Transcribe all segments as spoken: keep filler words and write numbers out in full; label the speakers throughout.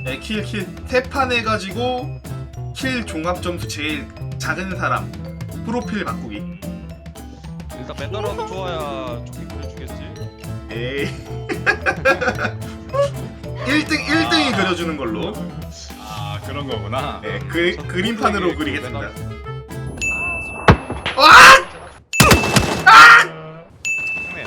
Speaker 1: 네, 킬, 킬, 태판 해가지고 킬 종합 점수 제일 작은 사람 프로필 바꾸기.
Speaker 2: 일단 맨날하고 좋아야 좋게 그려주겠지.
Speaker 1: 에이. 일 등, 일 등이 그려주는 걸로.
Speaker 3: 아 그런 거구나.
Speaker 1: 네, 그, 그림판으로 그리겠습니다.
Speaker 2: 아,
Speaker 1: 와!
Speaker 2: 형님.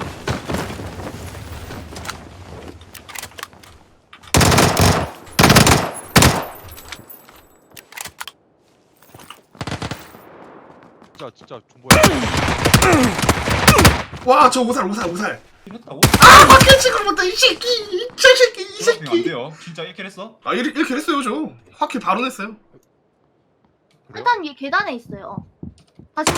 Speaker 2: 진짜 진짜 존버야.
Speaker 1: 와, 저 오살, 오살, 오살.
Speaker 3: 이겼다고?
Speaker 1: 아, 밖에 찍을 못해, 이 새끼! 이 새끼, 이
Speaker 3: 그러면 안
Speaker 1: 새끼!
Speaker 3: 돼요. 진짜 일 킬 했어?
Speaker 1: 아, 이렇게, 이렇게 했어요, 저. 확킬 바로 냈어요.
Speaker 4: 일단 위에 계단에 있어요. 다시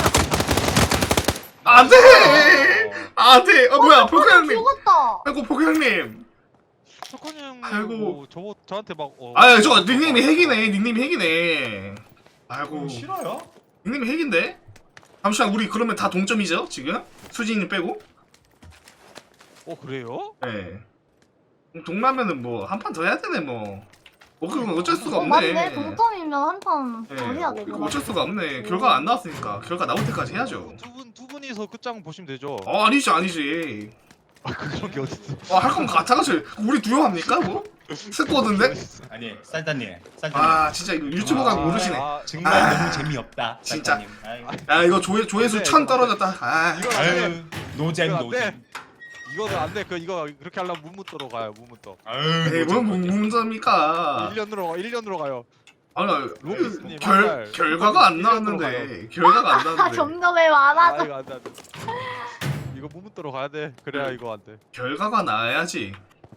Speaker 1: 안 돼! 안 돼! 어, 뭐야, 포크 형님.
Speaker 4: 죽었다.
Speaker 1: 아이고, 포크 형님.
Speaker 2: 석훈이 형
Speaker 1: 아이고.
Speaker 2: 뭐 저거 저한테 막 어.
Speaker 1: 아, 저 닉네임이 핵이네, 닉네임이 핵이네. 아이고,
Speaker 3: 그럼 싫어요?
Speaker 1: 닉네임이 핵인데? 잠시만, 우리 그러면 다 동점이죠, 지금? 수진이 빼고?
Speaker 2: 어 그래요?
Speaker 1: 네. 동라면은 뭐, 한 판 더 해야 되네, 뭐. 어, 그건 어쩔 수가
Speaker 4: 어,
Speaker 1: 없네.
Speaker 4: 맞네. 동점이면 한 판 더
Speaker 1: 네,
Speaker 4: 해야 되고.
Speaker 1: 이거 어쩔 수가 없네. 결과 안 나왔으니까. 결과 나올 때까지 해야죠.
Speaker 2: 두 분 두 분이서 끝장 보시면 되죠.
Speaker 1: 어, 아니지, 아니지.
Speaker 2: 아 그런 게 어딨어?
Speaker 1: 아, 할 거면 같아가지고. 우리 두명 합니까, 뭐? 스쿼드인데?
Speaker 3: 아니 쌀다님, 쌀다님.
Speaker 1: 아, 진짜 이거 유튜브가
Speaker 2: 아,
Speaker 1: 모르시네.
Speaker 2: 아,
Speaker 3: 정말
Speaker 1: 아,
Speaker 3: 너무 재미없다.
Speaker 1: 진짜.
Speaker 3: 쌀다님. 아이고.
Speaker 1: 야, 이거 조회, 조회수
Speaker 2: 안 돼,
Speaker 1: 천
Speaker 2: 이거 안 돼.
Speaker 1: 떨어졌다. 아,
Speaker 2: 이건 안 돼.
Speaker 3: 아유 노잼
Speaker 2: 이거 안 돼.
Speaker 3: 노잼.
Speaker 2: 이거는 안 돼. 그 이거 그렇게 하려면 문무떠로 가요. 문무떠.
Speaker 3: 아유
Speaker 1: 에이, 뭔
Speaker 3: 노잼.
Speaker 1: 문제입니까?
Speaker 2: 일 년으로 가. 일 년으로 가요.
Speaker 1: 아, 나
Speaker 2: 로비스님
Speaker 1: 결,
Speaker 2: 맨날
Speaker 1: 결과가 안
Speaker 2: 일 년으로
Speaker 1: 나왔는데. 결과가 안
Speaker 4: 아,
Speaker 1: 나왔는데.
Speaker 4: 점점에
Speaker 2: 아
Speaker 4: 많아져.
Speaker 2: 이거 안 돼. 안 돼. 이거 문무떠로 가야 돼. 그래야
Speaker 1: 응.
Speaker 2: 이거 안 돼.
Speaker 1: 결과가 나야지.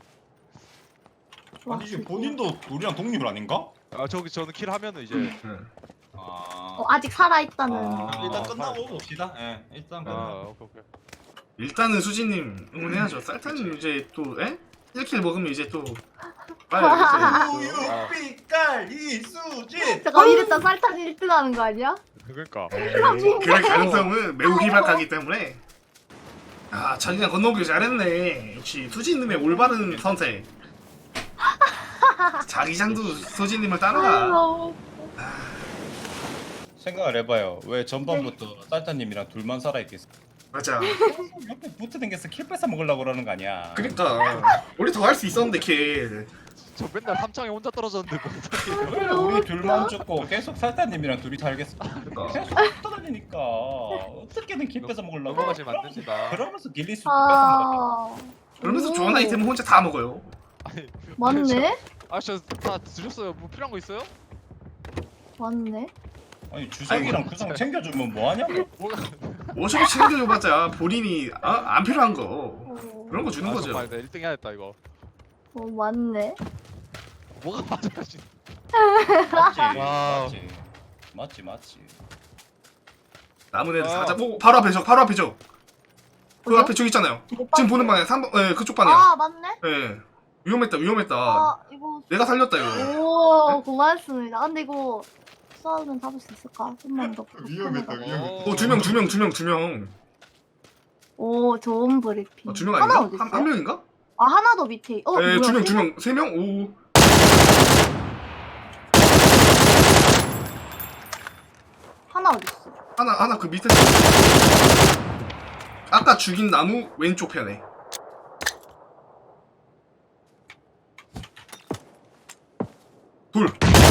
Speaker 4: 와,
Speaker 3: 아니 이게
Speaker 4: 진짜.
Speaker 3: 본인도 우리랑 독립을 아닌가?
Speaker 2: 아 저기 저는 킬 하면은 이제
Speaker 1: 응.
Speaker 3: 아.
Speaker 4: 어, 아직 살아있다는.
Speaker 2: 아.
Speaker 3: 일단
Speaker 2: 아,
Speaker 3: 끝나고 봅시다. 예, 일단
Speaker 2: 아
Speaker 3: 끝나고.
Speaker 2: 오케이 오케이.
Speaker 1: 일단은 수진님 응원해야죠. 쌀타님 이제 또, 에? 일 킬 먹으면 이제 또. 빨리
Speaker 3: 우유빛깔 이수진.
Speaker 4: 잠깐 이랬다 쌀탄 일 등 하는 거 아니야?
Speaker 2: 그러니까.
Speaker 1: 이제. 그럴 가능성은 매우 희박하기 때문에. 아, 자기가 건너오길 잘했네. 역시 수진님의 올바른 선택. 자기장도 수진님을
Speaker 4: 아,
Speaker 1: 따라가.
Speaker 4: 너무.
Speaker 3: 생각을 해봐요. 왜 전반부터 쌀타님이랑 둘만 살아있겠어?
Speaker 1: 맞아.
Speaker 3: 옆에 붙어 댕겨서 킬 뺏어 먹으려고 그러는 거 아니야?
Speaker 1: 그러니까 우리 더 할 수 있었는데 킬.
Speaker 2: 저 맨날 삼창에 혼자 떨어졌는데 뭐 어떡해요.
Speaker 3: 그래, 우리 둘만 죽고 계속 쌀타님이랑 둘이 살겠어.
Speaker 1: 그러니까.
Speaker 3: 계속 떠다니니까 어떻게든 킬 뺏어 먹으려고.
Speaker 2: 넘어가시면 안 됩니다.
Speaker 3: 그러면서 길리스 뺏어 먹어.
Speaker 4: 아.
Speaker 1: 그러면서
Speaker 4: 오.
Speaker 1: 좋은 아이템을 혼자 다 먹어요.
Speaker 2: 아니,
Speaker 4: 맞네.
Speaker 2: 아저다 드셨어요. 뭐 필요한 거 있어요?
Speaker 4: 맞네.
Speaker 3: 아니 주석이랑 구성 챙겨주면 뭐하냐고.
Speaker 2: 뭐가
Speaker 1: 어차피 챙겨줘봤자 본인이 아, 안 필요한 거
Speaker 4: 어,
Speaker 1: 그런 거 주는
Speaker 2: 아,
Speaker 1: 거죠.
Speaker 2: 정말 나 일 등 해야겠다 이거.
Speaker 4: 어 맞네.
Speaker 2: 뭐가 맞아 진
Speaker 3: 맞지
Speaker 2: 와우.
Speaker 3: 맞지 맞지 맞지.
Speaker 1: 남은 애들
Speaker 2: 아.
Speaker 1: 사자. 오, 바로 앞에 저, 바로 앞에 저. 그
Speaker 4: 어디요?
Speaker 1: 앞에 저기 있잖아요.
Speaker 4: 못
Speaker 1: 지금
Speaker 4: 봤어요.
Speaker 1: 보는 방향 삼 번, 예, 그쪽 방향.
Speaker 4: 아 맞네.
Speaker 1: 예. 위험했다, 위험했다.
Speaker 4: 아 이거.
Speaker 1: 내가 살렸다 이거.
Speaker 4: 오 고맙습니다. 근데 이거 싸우면 잡을 수 있을까? 좀만 더.
Speaker 3: 위험했다, 위험했다.
Speaker 1: 오, 두 명, 두 명, 두 명, 두 명.
Speaker 4: 오 좋은 브리핑.
Speaker 1: 아, 두명
Speaker 4: 하나
Speaker 1: 아닌가?
Speaker 4: 어디
Speaker 1: 한,
Speaker 4: 있어요?
Speaker 1: 한 명인가?
Speaker 4: 아 하나 더 밑에. 어
Speaker 1: 예,
Speaker 4: 뭐야?
Speaker 1: 두 명, 두 명, 세 명. 오.
Speaker 4: 하나 어디 있어?
Speaker 1: 하나, 하나 그 밑에. 아까 죽인 나무 왼쪽 편에. 둘.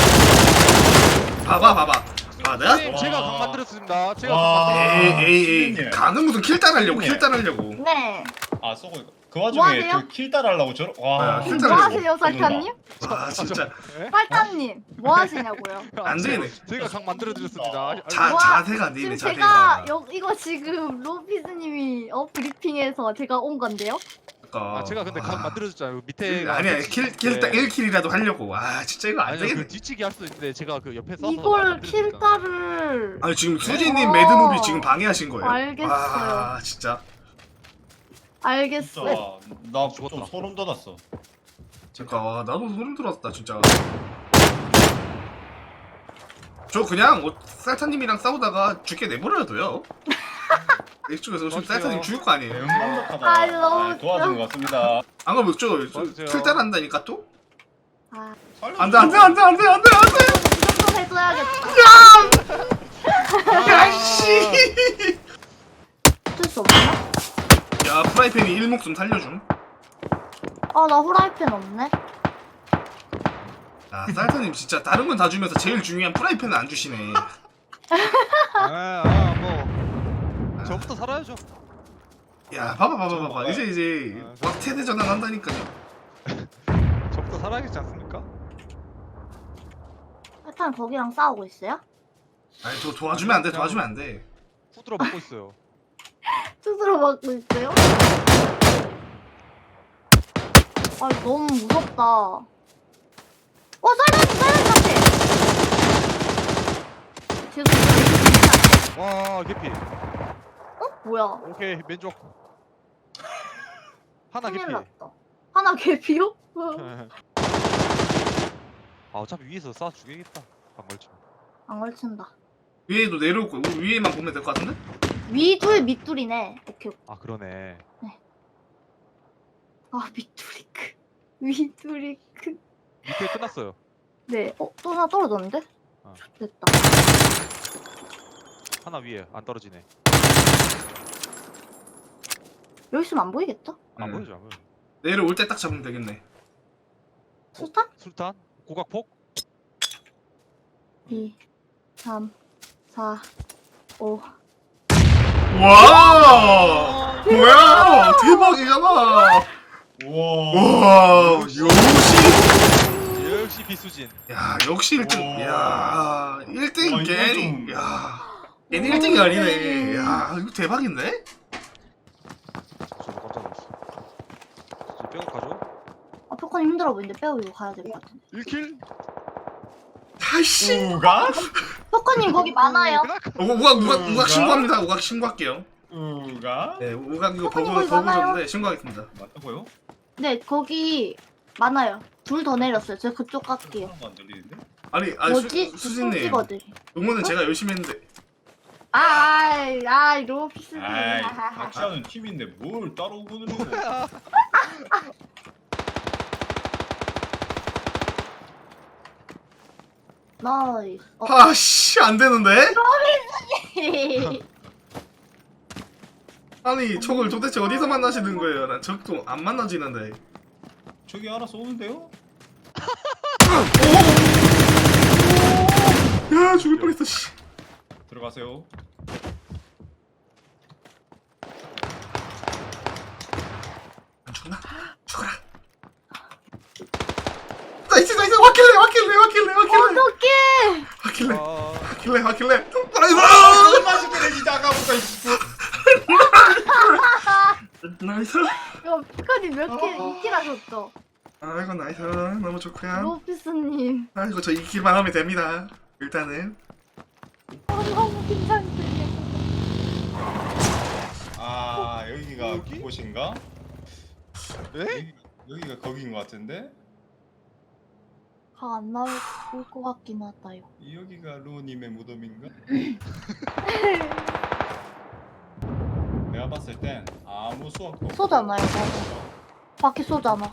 Speaker 1: 봐봐, 봐봐. 아, 내가
Speaker 2: 선생님, 제가 강 만들었습니다. 제가
Speaker 3: 와.
Speaker 2: 강 만들었습니다.
Speaker 1: 에이, 에이, 에이.
Speaker 3: 수진님.
Speaker 1: 가는 무슨 킬 따라려고, 킬
Speaker 3: 수진님.
Speaker 1: 따라려고.
Speaker 4: 네.
Speaker 3: 아 쏘고 그
Speaker 4: 뭐
Speaker 3: 와중에
Speaker 4: 하세요?
Speaker 3: 저킬 따라하려고 저러.
Speaker 1: 아,
Speaker 3: 와.
Speaker 1: 킬
Speaker 4: 뭐
Speaker 1: 따라려고.
Speaker 4: 하세요 설탕님?
Speaker 1: 아, 진짜.
Speaker 4: 설탕님 뭐 하시냐고요?
Speaker 1: 안 되네.
Speaker 2: 제가 강 만들어 드렸습니다.
Speaker 1: 자,
Speaker 4: 와,
Speaker 1: 자세가 안 되네,
Speaker 4: 지금 제가
Speaker 1: 자세가.
Speaker 4: 여, 이거 지금 로피스님이 어 브리핑해서 제가 온 건데요.
Speaker 1: 그러니까.
Speaker 2: 아 제가 근데 강
Speaker 1: 아.
Speaker 2: 만들어 줬잖아요. 밑에
Speaker 1: 아니야, 킬, 킬, 딱 일 킬이라도 하려고. 아, 진짜 이거 안
Speaker 2: 아니
Speaker 1: 되겠네.
Speaker 2: 그 뒤치기 할 수 있는데 제가 그 옆에 서서
Speaker 4: 이걸
Speaker 2: 만들어 드렸잖아.
Speaker 4: 킬타를
Speaker 1: 아니, 지금 수진님
Speaker 4: 어.
Speaker 1: 매드무비 지금 방해하신 거예요.
Speaker 4: 알겠어요.
Speaker 1: 아, 진짜.
Speaker 4: 알겠어.
Speaker 3: 진짜 나 좀
Speaker 2: 죽었다.
Speaker 3: 소름 돋았어.
Speaker 1: 그러니까 와, 나도 소름 돋았다, 진짜. 저 그냥 어, 쌀타님이랑 싸우다가 죽게 내버려둬요. 이쪽에서 지금 쌀타님 죽을 거 아니에요.
Speaker 3: 대응감독하다.
Speaker 4: 아, 너무
Speaker 3: 아, 도와준 것 같습니다.
Speaker 1: 안 그러면 저, 저
Speaker 2: 맞아요.
Speaker 1: 킬 따라한다니까 또?
Speaker 4: 아,
Speaker 1: 안돼 안돼 안돼 안돼 안돼 안돼.
Speaker 4: 이 정도 해줘야겠다.
Speaker 1: 야씨.
Speaker 4: 어쩔 수 없나?
Speaker 1: 야 프라이팬이 일목좀 살려줌.
Speaker 4: 아, 나 후라이팬 없네.
Speaker 1: 아 쌀타님 진짜 다른 건 다 주면서 제일 중요한 프라이팬은 안 주시네.
Speaker 2: 아뭐 저부터 살아야죠.
Speaker 1: 야 봐봐 봐봐 봐봐 이제 이제
Speaker 2: 아,
Speaker 1: 막 세대 전환 한다니까요.
Speaker 2: 저부터 살아야겠지 않습니까?
Speaker 4: 일단 거기랑 싸우고 있어요?
Speaker 1: 아니 도 도와주면 안 돼 도와주면 안 돼.
Speaker 2: 후드로 먹고 있어요.
Speaker 4: 스스로 막고 있어요? 아, 너무 무섭다. 어, 쌀다리, 쌀다리 같아. 죄송해요.
Speaker 2: 와 개피.
Speaker 4: 어? 뭐야?
Speaker 2: 오케이 맨족. 하나 개피.
Speaker 4: 큰일 났다. 하나 개피요?
Speaker 2: 아 어차피 위에서 쏴 죽이겠다. 안 걸쳐.
Speaker 4: 안 걸친다.
Speaker 1: 위에도 내려올 거야. 우리 위에만 보면 될 것 같은데?
Speaker 4: 위둘, 밑둘이네. 오케이.
Speaker 2: 아 그러네.
Speaker 4: 아, 밑둘이 크. 위둘이 크.
Speaker 2: 밑에 끝났어요.
Speaker 4: 네. 어, 또 하나 떨어졌는데?
Speaker 2: 어.
Speaker 4: 됐다.
Speaker 2: 하나 위에 안 떨어지네.
Speaker 4: 여기 있으면 안 보이겠다?
Speaker 2: 안
Speaker 1: 음.
Speaker 2: 보이죠 안 보여.
Speaker 1: 내려올 때 딱 잡으면 되겠네.
Speaker 4: 수탄?
Speaker 2: 술탄? 고각폭?
Speaker 4: 이, 삼, 사, 오.
Speaker 1: 와 뭐야 대박이잖아.
Speaker 3: 우와.
Speaker 1: 와 역시.
Speaker 2: 역시 비수진.
Speaker 1: 야 역시 일 등.
Speaker 3: 오.
Speaker 1: 야 일 등
Speaker 3: 와, 이건
Speaker 1: 괜히.
Speaker 3: 좀-
Speaker 1: 야 괜히 일 등이 아니네. 야 이거 대박인데?
Speaker 2: 저도 깜짝 놀랐어. 저 백업 가죠?
Speaker 4: 아, 표코님 힘들어 보이는데 빼고 이거 가야 될 것 같은데.
Speaker 2: 일 킬?
Speaker 1: 아이씨.
Speaker 3: 우가?
Speaker 4: 표코님 거기 많아요.
Speaker 1: 어, 우각 우각 우각 신고합니다. 우각 신고할게요.
Speaker 3: 우가?
Speaker 1: 네 우각 이거
Speaker 4: 어,
Speaker 1: 버그
Speaker 4: 거기
Speaker 1: 버그
Speaker 4: 많아요.
Speaker 1: 줬는데 신고하겠습니다.
Speaker 3: 맞다고요?
Speaker 4: 네, 거기 많아요. 둘 더 내렸어요. 제가 그쪽 갈게요.
Speaker 3: 하나도 안 들리는데?
Speaker 1: 아니 아니
Speaker 4: 뭐지?
Speaker 1: 수, 수진님
Speaker 4: 찍어들.
Speaker 1: 응원은 제가 열심히 했는데.
Speaker 4: 아, 아이, 아이, 로피스님.
Speaker 3: 아이, 같이 하는 팀인데 뭘 따로 보는 거?
Speaker 4: 나이스. 어.
Speaker 1: 아씨 안 되는데? 아니 적을 도대체 어디서 만나시는 거예요? 난 적도 안 만나지는데.
Speaker 3: 저기 알아서 오는데요?
Speaker 1: 야 죽을 뻔했어 씨.
Speaker 3: 들어가세요.
Speaker 1: 안 죽나? 죽어라. 나이스 나이스 와킬레 와킬레 와킬레 와킬레
Speaker 4: 어떡해!
Speaker 1: 와킬레
Speaker 2: 아,
Speaker 1: 와킬레 와킬레 나이스
Speaker 3: 맛있게 내지 아까부터.
Speaker 1: 나이스.
Speaker 4: 이거 피카님 몇 킬, 이 킬 하셨죠?
Speaker 1: 아이고 나이스 너무 좋고요.
Speaker 4: 로피스님.
Speaker 1: 아이고 저 이 킬만 하면 됩니다. 일단은
Speaker 4: 어, 너무 긴장되네.
Speaker 3: 아 여기가
Speaker 2: 여기?
Speaker 3: 그곳인가?
Speaker 2: 에?
Speaker 3: 여기, 여기가 거기인 것 같은데?
Speaker 4: 각 안 나올 것 같긴 하다요.
Speaker 3: 여기가 루오님의 무덤인가? 내가 봤을 땐 아무 수학도 없고
Speaker 4: 쏘잖아요, 맞아. 밖에 쏘잖아.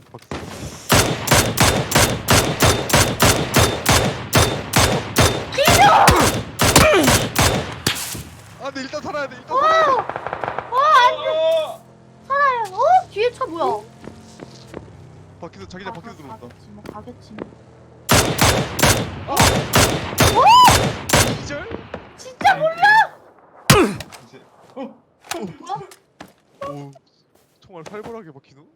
Speaker 2: 아 근데 일단 살아야 돼. 일단 살아야 돼.
Speaker 3: 어!
Speaker 4: 살아요. 어? 뒤에 차 뭐야?
Speaker 2: 바퀴도 자기장 바퀴도
Speaker 4: 가-
Speaker 2: 들어온다.
Speaker 4: 가겠지, 뭐 가겠지. 뭐.
Speaker 2: 기절?
Speaker 4: 진짜 몰라.
Speaker 3: 이제 어?
Speaker 4: 뭐야?
Speaker 2: 오 정말 살벌하게 바퀴노?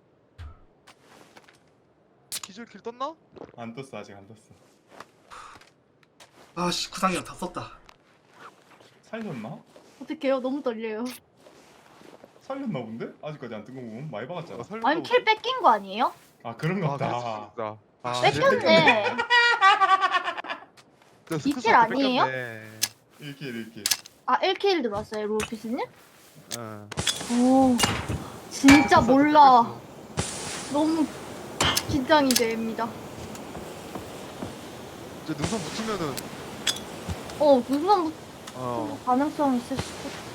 Speaker 2: 기절킬 떴나?
Speaker 3: 안 떴어 아직 안 떴어.
Speaker 1: 아씨 구상력 다 썼다.
Speaker 3: 살렸나?
Speaker 4: 어떡해요? 너무 떨려요.
Speaker 3: 살렸나 본데? 아직까지 안 뜬 거 보면 많이 박았잖아.
Speaker 2: 살렸다고.
Speaker 4: 아니 킬 뺏긴 거 아니에요?
Speaker 3: 아 그런
Speaker 2: 아
Speaker 3: 거
Speaker 2: 그럴
Speaker 3: 같다.
Speaker 2: 수도 있다. 아,
Speaker 4: 뺏겼네.
Speaker 2: 저
Speaker 4: 이
Speaker 2: 스크스
Speaker 4: 킬 아니에요?
Speaker 2: 뺏겼네.
Speaker 3: 일 킬 일 킬.
Speaker 4: 아 일 킬 들어왔어요, 로피스님?
Speaker 2: 응.
Speaker 4: 오, 진짜 몰라.
Speaker 2: 뺏겼어.
Speaker 4: 너무 긴장이 됩니다.
Speaker 2: 저 능선 붙으면은
Speaker 4: 어, 무슨
Speaker 2: 어
Speaker 4: 가능성이 있을 수도.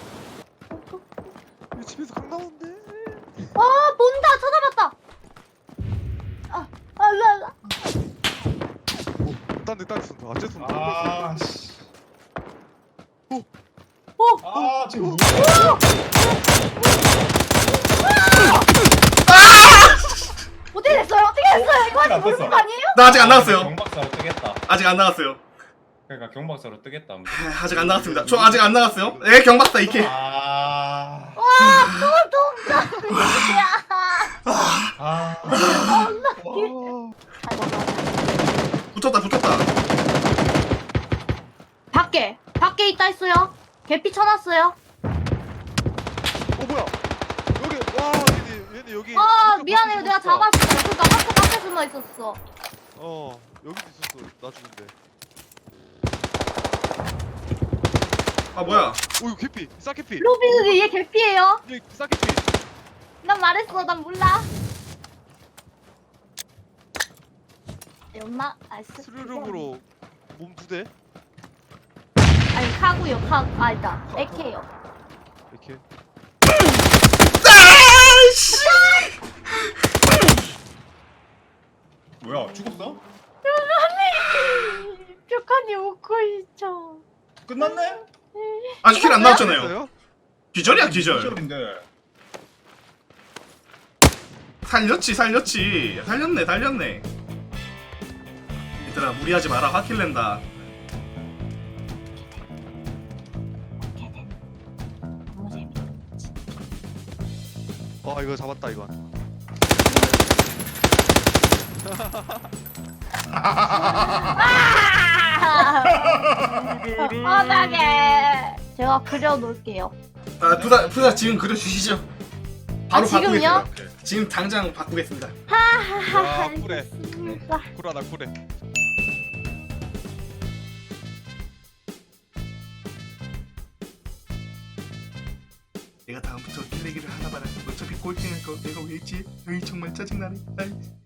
Speaker 2: 이 집에서 강 나오는데.
Speaker 4: 아, 본다. 찾아봤다. 아, 아, 라, 라.
Speaker 2: 딴데 딴데 쏜다. 아쟤 쏜다.
Speaker 3: 아 씨.
Speaker 2: 오.
Speaker 4: 오!
Speaker 3: 아 지금 뭐야?
Speaker 4: 어떻게 됐어요? 어떻게 됐어요? 이거
Speaker 3: 안
Speaker 4: 아직 모르는
Speaker 3: 떴어.
Speaker 4: 거 아니에요?
Speaker 1: 나 아직 안 나왔어요.
Speaker 3: 경박사로 뜨겠다.
Speaker 1: 아직 안 나왔어요.
Speaker 3: 그러니까 경박사로 뜨겠다.
Speaker 1: 아, 아직 안 나왔습니다. 저 아직 안 나왔어요. 예, 경박사 이케.
Speaker 3: 아.
Speaker 4: 아,
Speaker 3: 아.
Speaker 4: 아이고,
Speaker 1: 붙었다, 붙었다.
Speaker 4: 밖에 밖에 있다 했어요. 개피 쳐놨어요.
Speaker 2: 어 뭐야? 여기 와 얘네 얘네 여기.
Speaker 4: 아
Speaker 2: 학교
Speaker 4: 미안해요.
Speaker 2: 밖에
Speaker 4: 내가
Speaker 2: 숨어 있어.
Speaker 4: 잡았어. 그러니까 학교 밖에 숨어 있었어.
Speaker 2: 어 여기도 있었어. 나 죽은데.
Speaker 1: 아, 뭐야.
Speaker 2: 오 이거 개피. 싹개피.
Speaker 4: 로비그 얘 개피예요.
Speaker 2: 얘 싹개피.
Speaker 4: 난 말했어. 난 몰라. 연마 아스
Speaker 2: 스르륵으로 몸 두 대.
Speaker 4: 아니 카구요 카 아니다 에케요.
Speaker 2: 이렇게.
Speaker 1: 아이씨!
Speaker 3: 뭐야 죽었어?
Speaker 4: 뾰칸이 웃고 있죠.
Speaker 3: 끝났네?
Speaker 1: 아직 킬 안 나왔잖아요.
Speaker 2: 있어요?
Speaker 1: 기절이야, 기절.
Speaker 3: 기절인데.
Speaker 1: 살렸지, 살렸지. 살렸네, 살렸네. 얘들아, 무리하지 마라. 화킬 낸다.
Speaker 4: 너무 재밌다.
Speaker 2: 아 이거 잡았다 이건.
Speaker 4: 뻔하게 제가 그려놓을게요.
Speaker 1: 아, 부사, 부사 지금 그려주시죠. 바로
Speaker 4: 아, 지금요?
Speaker 1: 바꾸겠습니다. 지금 당장 바꾸겠습니다.
Speaker 2: 와 쿨해.
Speaker 4: 알겠습니다.
Speaker 2: 쿨하다 쿨해.
Speaker 1: 내가 다음부터 킬레기를 하나 봐라. 어차피 꼴등할 거 내가 왜 했지? 에이, 정말 짜증나네. 아이.